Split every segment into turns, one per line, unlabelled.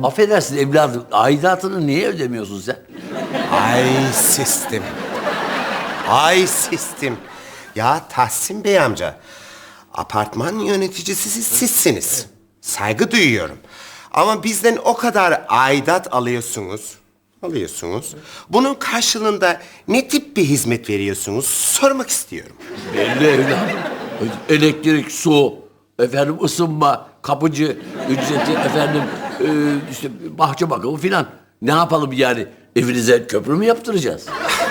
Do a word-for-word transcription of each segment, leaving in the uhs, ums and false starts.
Affedersin evladım, aidatını niye ödemiyorsun sen?
Ay sistem. Ay sistem. Ya Tahsin Bey amca, apartman yöneticisi siz, sizsiniz. Saygı duyuyorum. Ama bizden o kadar aidat alıyorsunuz. Alıyorsunuz. Bunun karşılığında ne tip bir hizmet veriyorsunuz sormak istiyorum.
Belli evladım. Elektrik, su, efendim ısınma, kapıcı ücreti, efendim e, işte bahçe bakımı filan. Ne yapalım yani? Evinize köprü mü yaptıracağız?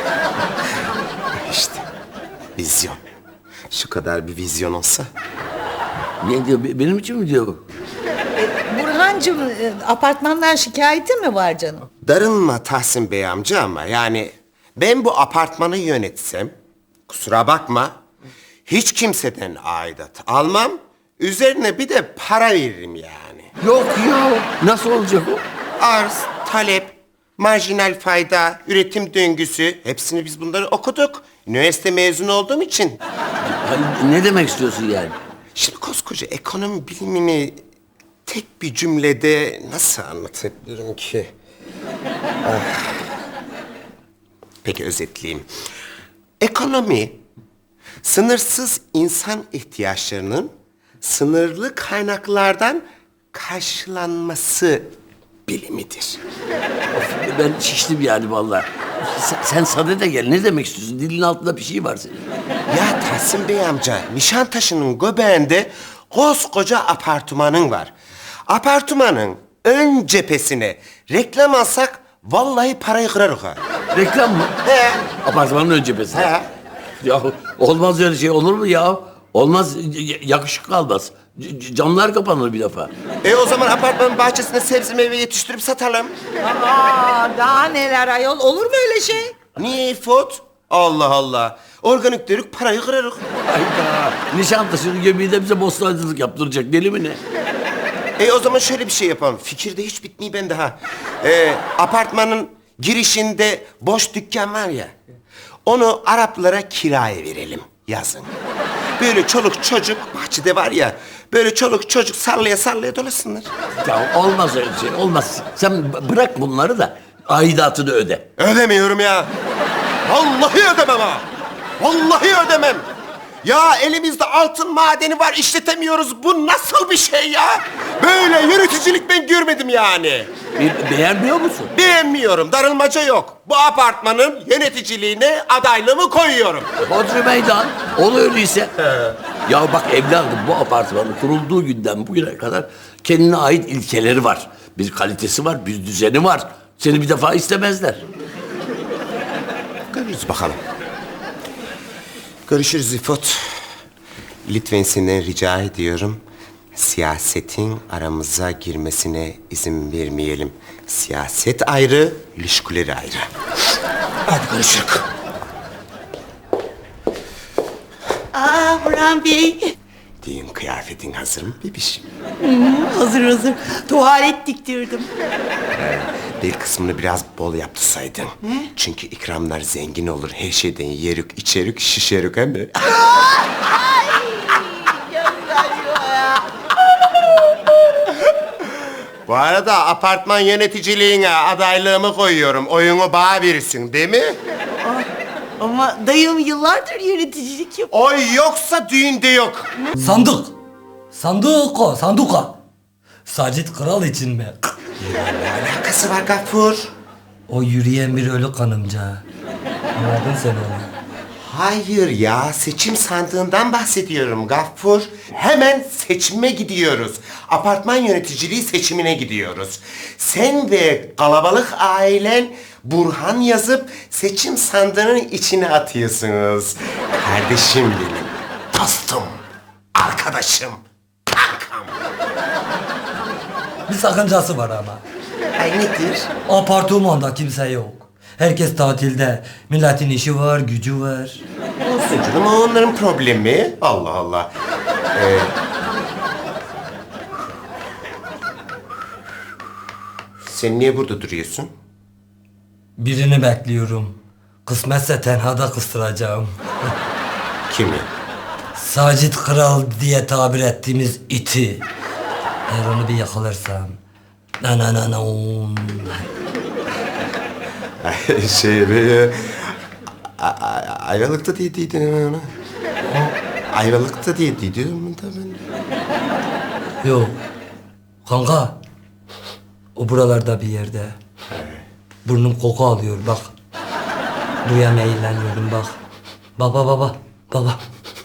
İşte vizyon. Şu kadar bir vizyon olsa.
Ne diyor? be- Benim için mi diyor bu?
Burhancığım, e, apartmandan şikayetin mi var canım?
Darılma Tahsin Bey amca ama yani ben bu apartmanı yönetsem, kusura bakma, hiç kimseden aidat almam, üzerine bir de para veririm yani.
Yok ya. Nasıl olacak o?
Arz, talep, marjinal fayda, üretim döngüsü, hepsini biz bunları okuduk. Üniversite mezunu olduğum için.
Ay, ne demek istiyorsun yani?
Şimdi koskoca ekonomi bilimini tek bir cümlede nasıl anlatabilirim ki? Ah. Peki özetleyeyim. Ekonomi, sınırsız insan ihtiyaçlarının sınırlı kaynaklardan karşılanması bilimidir.
Ben şiştim yani vallahi. Sen, sen sadede gel. Ne demek istiyorsun? Dilin altında bir şey var senin.
Ya Tahsin Bey amca, Nişantaşı'nın göbeğinde koskoca apartmanın var. Apartmanın ön cephesine reklam alsak vallahi parayı kırarız ha.
Reklam mı?
He.
Apartmanın ön cephesinde.
He.
Ya olmaz öyle şey, olur mu ya? Olmaz, y- yakışık kalmaz. C- c- camlar kapanır bir defa.
E o zaman apartmanın bahçesine sebze meyve yetiştirip satalım.
Aa, daha neler ayol, olur mu öyle şey?
Niye İfot? Allah Allah. Organik dedik parayı kırarız.
Hayda. Nişantaşı'nın göbeğinde bize bostancılık yaptıracak, deli mi ne?
E o zaman şöyle bir şey yapalım. Fikirde hiç bitmiyor bende ha. E, apartmanın girişinde boş dükkan var ya. Onu Araplara kiraya verelim yazın. Böyle çoluk çocuk bahçede var ya. Böyle çoluk çocuk sallaya sallaya dolasınlar.
Ya olmaz öyle şey, olmaz. Sen b- bırak bunları da aidatını öde.
Ödemiyorum ya. Vallahi ödemem ha. Vallahi ödemem. Ya elimizde altın madeni var, işletemiyoruz. Bu nasıl bir şey ya? Böyle yöneticilik ben görmedim yani.
Be- beğenmiyor musun?
Beğenmiyorum, darılmaca yok. Bu apartmanın yöneticiliğine adaylığımı koyuyorum.
Hodri meydan. Ol öyleyse. Ya bak evladım, bu apartmanın kurulduğu günden bugüne kadar kendine ait ilkeleri var. Bir kalitesi var, bir düzeni var. Seni bir defa istemezler.
Görürüz bakalım. Görüşürüz İfot. Lütfen senden rica ediyorum. Siyasetin aramıza girmesine izin vermeyelim. Siyaset ayrı, ilişkileri ayrı. Hadi görüşürüz.
Aa Burhan Bey.
Düğün kıyafetin hazır mı bebişim?
Hazır hazır. Tuvalet diktirdim.
Bel kısmını biraz bol yaptırsaydın. Çünkü ikramlar zengin olur. Her şeyden yerik, içerik, şişerik hem de. Bu arada apartman yöneticiliğine adaylığımı koyuyorum. Oyunu bana verirsin değil mi?
Ama dayım yıllardır yöneticilik yapıyor.
Oy yoksa düğünde yok.
Sandık. Sandık o, sanduka. Sacit Kral için mi?
Ne alakası var Gaffur?
O yürüyen bir ölü kanımca. Anladın sen onu.
Hayır ya, seçim sandığından bahsediyorum Gaffur. Hemen seçime gidiyoruz. Apartman yöneticiliği seçimine gidiyoruz. Sen ve kalabalık ailen Burhan yazıp seçim sandığının içine atıyorsunuz. Kardeşim benim, dostum, arkadaşım, kankam.
Bir sakıncası var ama.
Ay nedir?
Apartmanda kimse yok. Herkes tatilde. Milletin işi var, gücü var.
Olsun canım, o onların problemi. Allah Allah. Ee, sen niye burada duruyorsun?
Birini bekliyorum. Kısmetse tenhada kıstıracağım.
Kimi?
Sacit Kral diye tabir ettiğimiz iti. Eğer onu bir yakalarsam Na na na na. on.
şey böyle... A- a- Ayvalık'ta diye dedin onu. Ayvalık'ta diye dedim da ben.
Yok. Kanka. O buralarda bir yerde. Burnum koku alıyor bak. Buraya meyilleniyorum bak. Baba baba baba.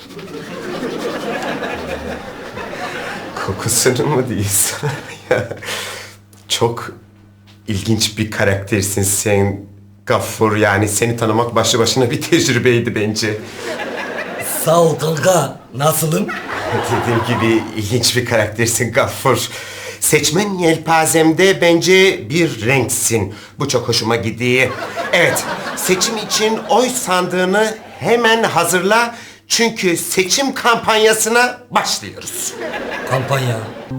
Kokusunu mu diyorsun? Ya, çok ilginç bir karaktersin sen Gaffur. Yani seni tanımak başlı başına bir tecrübeydi bence.
Sağ ol kanka. Nasılım?
Dediğim gibi ilginç bir karaktersin Gaffur. Seçmen yelpazemde bence bir renksin. Bu çok hoşuma gidiyor. Evet, seçim için oy sandığını hemen hazırla. Çünkü seçim kampanyasına başlıyoruz.
Kampanya.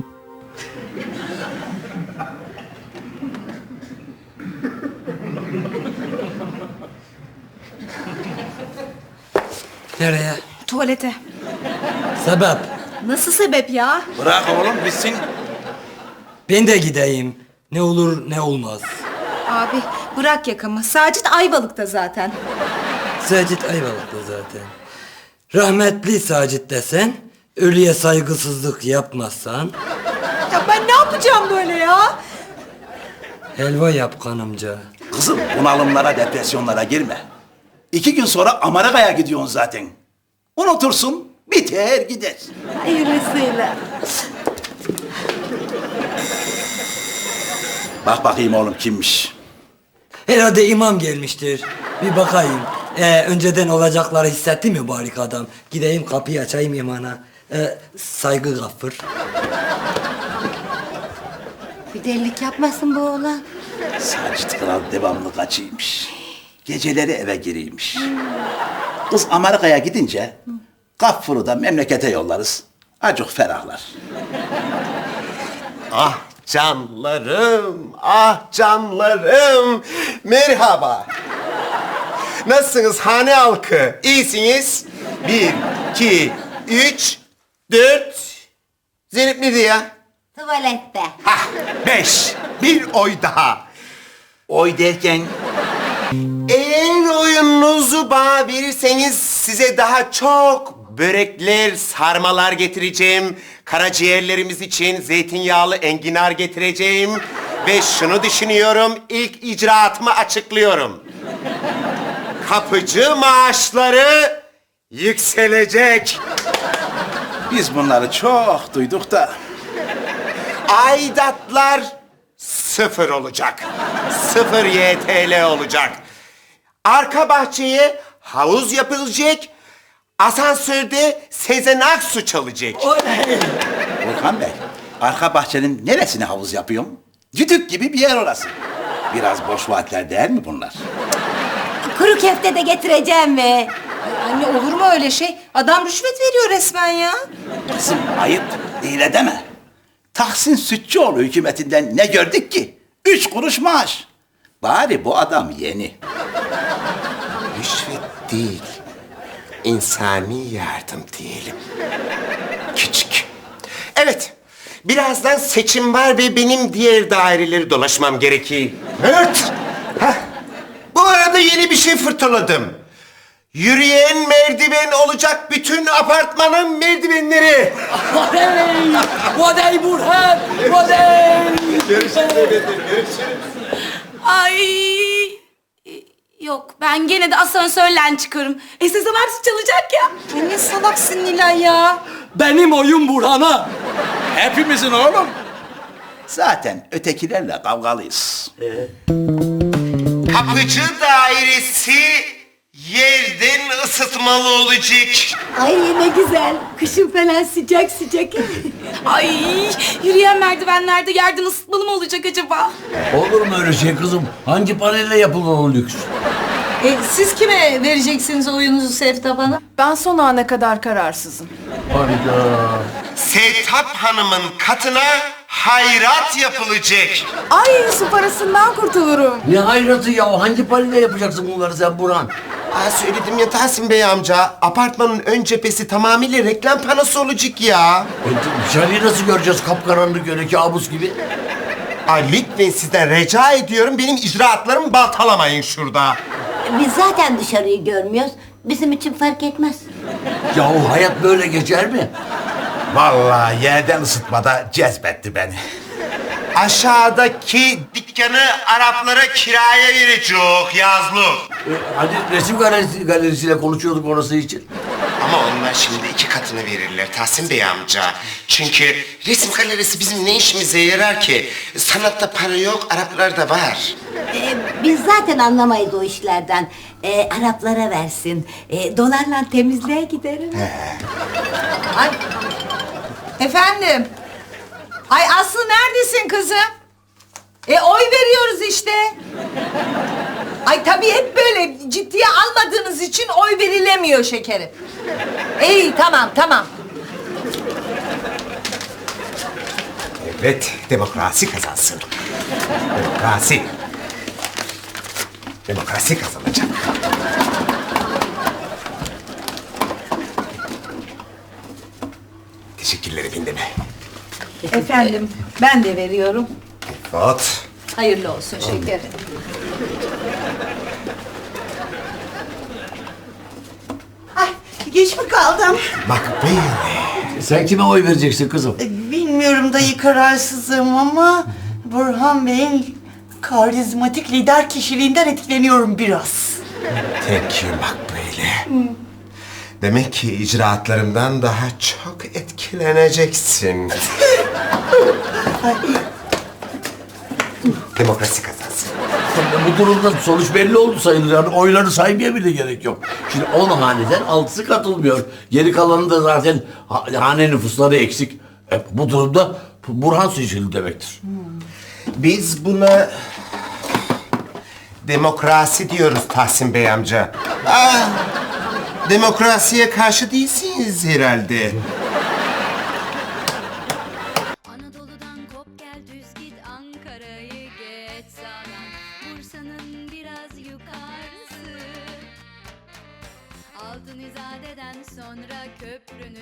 Nereye?
Tuvalete.
Sebep?
Nasıl sebep ya?
Bırak oğlum gitsin.
Ben de gideyim. Ne olur ne olmaz.
Abi bırak yakamı. Sacit Ayvalık'ta zaten.
Sacit Ayvalık'ta zaten. Rahmetli Sacit desen, ölüye saygısızlık yapmazsan,
Ya ben ne yapacağım böyle ya?
helva yap kanımca.
Kızım bunalımlara, depresyonlara girme. İki gün sonra Amerika'ya gidiyorsun zaten. Unutursun, biter gider.
Hayırlısıyla.
Bak bakayım oğlum kimmiş.
Herhalde imam gelmiştir. Bir bakayım. Ee, önceden olacakları hissetti mi barik adam? Gideyim kapıyı açayım imana. Ee, saygı Gaffur.
Bir delilik yapmasın bu oğlan.
Sacit Kral devamlı kaçıymış. Geceleri eve giriymiş. Kız Amerika'ya gidince Gaffur'u da memlekete yollarız. Acık ferahlar.
Ah canlarım, ah canlarım. Merhaba. Nasılsınız hane halkı? İyisiniz? Bir, iki, üç, dört. Zeynep nerede ya?
Tuvalette.
Hah, beş. Bir oy daha.
Oy derken
Eğer oyununuzu bana verirseniz size daha çok börekler, sarmalar getireceğim. Karaciğerlerimiz için zeytinyağlı enginar getireceğim. Ve şunu düşünüyorum, ilk icraatımı açıklıyorum. Kapıcı maaşları yükselecek.
biz bunları çok duyduk da
Aidatlar sıfır olacak. Sıfır Y T L olacak. Arka bahçeye havuz yapılacak. Asansörde Sezen Aksu çalacak.
Volkan Bey, arka bahçenin neresine havuz yapıyorsun? Düdük gibi bir yer orası. Biraz boş vaatler değil mi bunlar?
Kuru köfte de getireceğim mi? Anne olur mu öyle şey? Adam rüşvet veriyor resmen ya.
Kızım ayıp, değil deme. Tahsin Sütçüoğlu hükümetinden ne gördük ki? Üç kuruş maaş. Bari bu adam yeni.
Rüşvet değil, insani yardım diyelim. Küçük. Evet, birazdan seçim var ve benim diğer daireleri dolaşmam gerekiyor. Evet. Hah. Bu arada yeni bir şey fırtaladım. Yürüyen merdiven olacak bütün apartmanın merdivenleri.
Vadey Burhan! Vadey!
Ay yok ben gene de asansörle çıkarım. E Sezen Aksu çalacak ya.
Ay ne salaksın Nilay ya.
Benim oyun Burhan'a.
Hepimizin oğlum. Zaten ötekilerle kavgalıyız.
Kapıcı dairesi yerden ısıtmalı olacak.
Ay ne güzel. Kışın falan sıcak sıcak.
Ay yürüyen merdivenlerde yerden ısıtmalı mı olacak acaba?
Olur mu öyle şey kızım? Hangi panelle yapılan o lüks?
E, siz kime vereceksiniz oyunuzu Sevtap Hanım?
Ben son ana kadar kararsızım.
Harika.
Sevtap Hanım'ın katına hayrat yapılacak.
Ay su parasından kurtulurum.
Ne hayratı ya? Hangi panelle yapacaksın bunları sen Burhan?
Aa, söyledim ya Tahsin Bey amca. Apartmanın ön cephesi tamamıyla reklam panosu olacak ya.
E, dışarıyı nasıl göreceğiz kapkaranlık öyle kabus gibi?
Ay lütfen sizden rica ediyorum benim icraatlarımı baltalamayın şurada.
Biz zaten dışarıyı görmüyoruz. Bizim için fark etmez.
Yahu hayat böyle geçer mi?
Vallahi yerden ısıtmada cezbetti beni.
Aşağıdaki dükkanı Araplara kiraya verecek yazlık.
Ee, hani resim galerisi, galerisiyle konuşuyorduk orası için.
Ama onlar şimdi iki katını verirler Tahsin Bey amca. Çünkü resim galerisi bizim ne işimize yarar ki? Sanatta para yok, Araplarda var.
Ee, biz zaten anlamayız o işlerden. Ee, Araplara versin. Ee, dolarla temizliğe giderim.
Ay. Efendim. Ay Aslı neredesin kızım? E oy veriyoruz işte. Ay tabii hep böyle ciddiye almadığınız için oy verilemiyor şekerim. İyi tamam tamam.
Evet, demokrasi kazansın. Demokrasi. Demokrasi kazanacak. Teşekkürler efendim.
Efendim ben de veriyorum.
Evet.
Hayırlı olsun şekerim.
Ay, geç mi kaldım?
Makbule.
Sen kime oy vereceksin kızım?
E, Bilmiyorum dayı, kararsızım ama Burhan Bey'in karizmatik lider kişiliğinden etkileniyorum biraz.
Thank you Makbule. Demek ki icraatlarımdan daha çok etkileneceksin. Demokrasi kazansın.
Bu durumda sonuç belli oldu sayılır. Yani oyları saymaya bile gerek yok. Şimdi on haneden altısı katılmıyor. Geri kalanı da zaten ha- hane nüfusları eksik. E, bu durumda Burhan seçildi demektir.
Biz buna demokrasi diyoruz Tahsin Bey amca. Aa, demokrasiye karşı değilsiniz herhalde.
Anadolu'dan kop gel düz git Ankara'yı geç sağdan Bursa'nın biraz yukarısı Altın İzade'den sonra köprünün